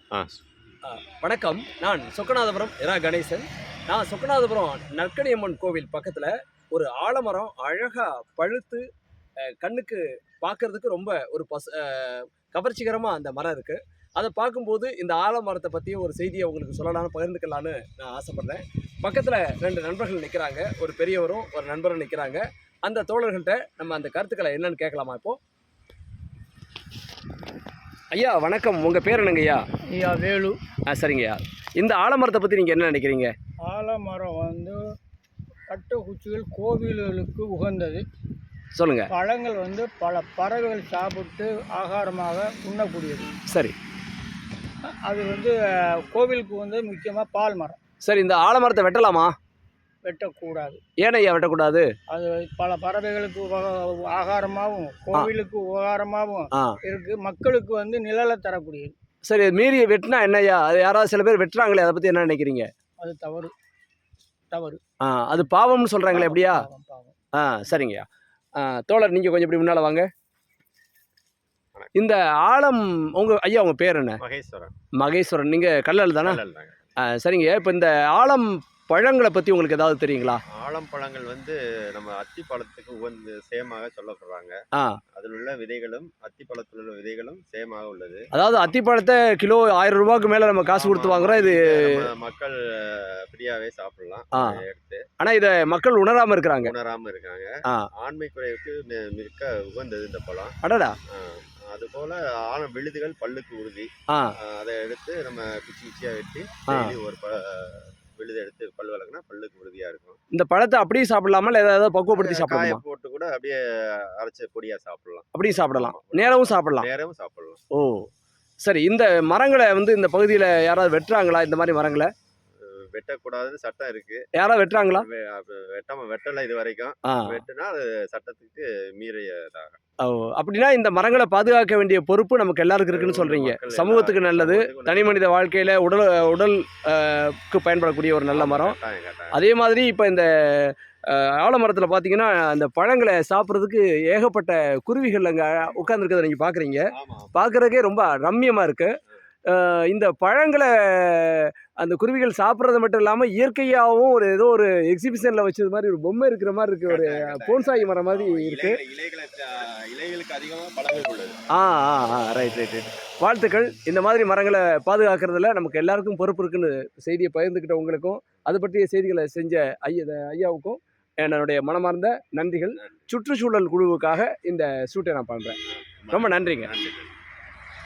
ஆ வணக்கம். நான் சொக்கநாதபுரம் இரா கணேசன். நான் சொக்கநாதபுரம் நற்கணியம்மன் கோவில் பக்கத்தில் ஒரு ஆலமரம் அழகாக பழுத்து கண்ணுக்கு பார்க்கறதுக்கு ரொம்ப ஒரு கவர்ச்சிகரமாக அந்த மரம் இருக்குது. அதை பார்க்கும்போது இந்த ஆலமரத்தை பற்றி ஒரு செய்தியை உங்களுக்கு சொல்லலாம்னு பகிர்ந்துக்கலான்னு நான் ஆசைப்பட்றேன். பக்கத்தில் 2 நண்பர்கள் நிற்கிறாங்க. ஒரு பெரியவரும் ஒரு நண்பரும் நிற்கிறாங்க. அந்த தோழர்கள்ட்ட நம்ம அந்த கருத்துக்களை என்னன்னு கேட்கலாமா இப்போது? ஐயா வணக்கம். உங்கள் பேர் என்னங்கய்யா? ஐயா வேலு. சரிங்கய்யா. இந்த ஆலமரத்தை பற்றி நீங்கள் என்ன நினைக்கிறீங்க? ஆலமரம் பட்டக்குச்சிகள் கோவில்களுக்கு உகந்தது. சொல்லுங்கள். பழங்கள் பல பறவைகள் சாப்பிட்டு ஆகாரமாக உண்ணக்கூடியது. சரி. அது கோவிலுக்கு முக்கியமாக பால் மரம். சரி, இந்த ஆலமரத்தை வெட்டலாமா? வெட்டக்கூடாது. ஏன் ஐயா வெட்டக்கூடாது? அது பல பறவைகளுக்கு ஆகாரமாகவும் கோவிலுக்கு உபகாரமாகவும் இருக்கு. மக்களுக்கு நிழலை தரக்கூடியது. சரி, மீறி வெட்டினா என்ன ஐயா? அது யாராவது சில பேர் வெட்டுறாங்களே, அதை பற்றி என்ன நினைக்கிறீங்க? அது தவறு. தவறு. அது பாவம்னு சொல்கிறாங்களே, எப்படியா? பாவம். சரிங்கய்யா. தோழர் நீங்கள் கொஞ்சம் இப்படி முன்னால் வாங்க. இந்த ஆலம் ஐயா உங்கள் பேர் என்ன? மகேஸ்வரன். மகேஸ்வரன். நீங்கள் கல்லல் தானே? சரிங்க. இப்போ இந்த ஆலம் பழங்களை பற்றி உங்களுக்கு ஏதாவது தெரியுங்களா? ஆலம் பழங்கள் நம்ம அத்திப்பழத்துக்கு உகந்து சேமாக சொல்லப்படுறாங்க. அதில் உள்ள விதைகளும் அத்திப்பழத்தில் உள்ள விதைகளும் சேமாக உள்ளது. அதாவது அத்திப்பழத்தை கிலோ 1000 ரூபாய்க்கு மேலே நம்ம காசு கொடுத்து வாங்குறோம். இது மக்கள் ஃப்ரீயாகவே சாப்பிடலாம் எடுத்து. ஆனால் இதை மக்கள் உணராமல் இருக்கிறாங்க. ஆண்மை குறைவுக்கு மிக்க உகந்தது இந்த பழம். அடடா. அதுபோல ஆழம் விழுதுகள் பல்லுக்கு உறுதி. அதை எடுத்து நம்ம குச்சி குச்சியாக வெட்டி ஒரு விழுது எடுத்து பல் வளர்க்கினா பல்லுக்கு உறுதியாக இருக்கும். இந்த பழத்தை அப்படியே சாப்பிடலாமா, இல்லை ஏதாவது பக்குவப்படுத்தி சாப்பிடலாம்? காய போட்டு கூட அப்படியே அரைச்ச பொடியாக சாப்பிடலாம். அப்படியும் சாப்பிடலாம், நேரமும் சாப்பிடலாம். நேரமும் சாப்பிடலாம். ஓ சரி. இந்த மரங்களை இந்த பகுதியில் யாராவது வெட்டுறாங்களா? இந்த மாதிரி மரங்களை வெட்டக்கூடாதுன்னு சட்டம் இருக்கு. யாராவது வெட்டுறாங்களா? வெட்டலை இது வரைக்கும். வெட்டுனா அது சட்டத்துக்கு மீறியதாக. அப்படின்னா இந்த மரங்களை பாதுகாக்க வேண்டிய பொறுப்பு நமக்கு எல்லாருக்கும் இருக்குன்னு சொல்றீங்க. சமூகத்துக்கு நல்லது, தனி மனித வாழ்க்கையில உடலுக்கு பயன்படக்கூடிய ஒரு நல்ல மரம். அதே மாதிரி இப்போ இந்த ஆலமரத்தில் பார்த்தீங்கன்னா அந்த பழங்களை சாப்பிட்றதுக்கு ஏகப்பட்ட குருவிகள் அங்கே உட்காந்துருக்கிறத நீங்கள் பார்க்குறீங்க. பார்க்குறதுக்கே ரொம்ப ரம்மியமாக இருக்குது. இந்த பழங்களை அந்த குருவிகள் சாப்பிட்றது மட்டும் இல்லாமல் இயற்கையாகவும் ஏதோ ஒரு எக்ஸிபிஷனில் வச்சது மாதிரி ஒரு பொம்மை இருக்கிற மாதிரி இருக்குது. ஒரு போன்சாய் மரம் மாதிரி இருக்குது. ரைட். வாழ்த்துக்கள். இந்த மாதிரி மரங்களை பாதுகாக்கிறதுல நமக்கு எல்லாருக்கும் பொறுப்பு இருக்குன்னு செய்தியை பகிர்ந்துக்கிட்ட உங்களுக்கும் அது பற்றிய செய்திகளை செஞ்ச ஐயாவுக்கும் என்னுடைய மனமார்ந்த நன்றிகள். சுற்றுச்சூழல் குழுவுக்காக இந்த ஷூட்டை நான் பண்ணுறேன். ரொம்ப நன்றிங்க.